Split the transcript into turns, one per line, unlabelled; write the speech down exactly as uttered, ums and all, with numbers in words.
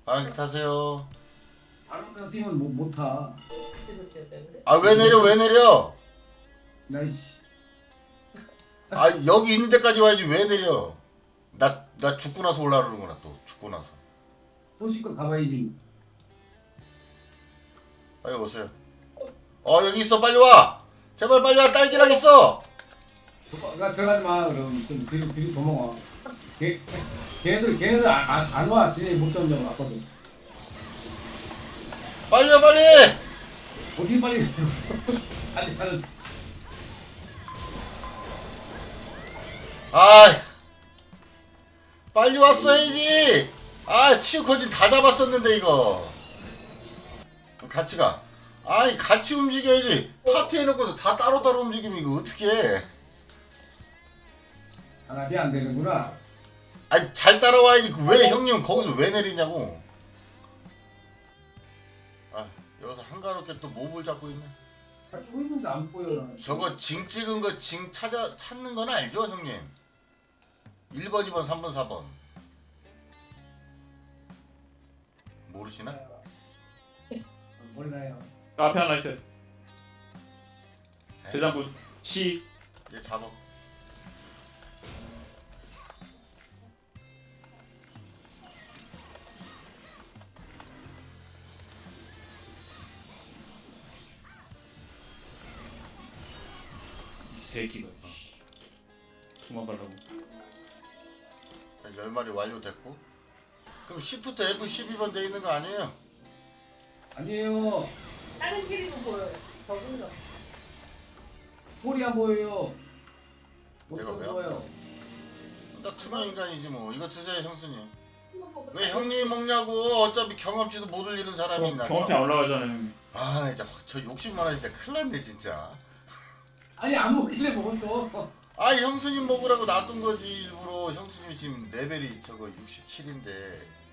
파란길 타세요.
다른 데 뛰면 못, 못 타.
아 왜 내려 왜 내려?
나이씨.
아 여기 있는 데까지 와야지 왜 내려? 나 나 죽고 나서 올라오는구나 또 죽고 나서.
소식껏 가봐야지.
빨리 오세요. 어 여기 있어 빨리 와. 제발 빨리 와 딸기랑 있어.
나 들어가지 마. 그럼 좀 뒤로 뒤로 도망와. 걔 걔네들 걔네들 안 안 안 와. 지네 못 잡는다고 왔거든.
빨리 와 빨리.
어떻게 빨리? 빨리 빨리.
아 빨리 왔어야지. 아 치우커진 다 잡았었는데 이거. 같이 가. 아이 같이 움직여야지. 파티 해놓고도 다 따로따로 움직이면 이거 어떻게 해.
단합이 안 되는구나.
아니 잘 따라와야지. 왜 형님 거기서 왜 내리냐고. 아 여기서 한가롭게 또 몹을 잡고 있네.
다 쏘고 있는데 안 보여.
저거 징 찍은 거 징 찾아 찾는 건 알죠 형님? 일 번, 이 번, 삼 번, 사 번 모르시나?
몰라요.
앞에 하나 있어요. 대장군 시.
얘 잡아.
새끼가. 씨. 도망가려고.
열 마리 완료됐고. 그럼 시프트 에프 십이 번 돼 있는 거 아니에요?
아니에요.
다른 길이도 보여요. 적은 거.
폴이 안 보여요. 못
내가 왜
보여요.
나 투명 인간이지 뭐. 이거 드세요 형수님. 왜 형님 먹냐고. 어차피 경험치도 못 올리는 사람이 있나.
경험치 안 올라가잖아요. 형님.
아 진짜 저 욕심 많아 진짜 큰일 났네 진짜.
아니 안 먹길래 먹었어.
아 형수님 먹으라고 놔둔 거지 일부러. 형수님이 지금 레벨이 저거 육십칠인데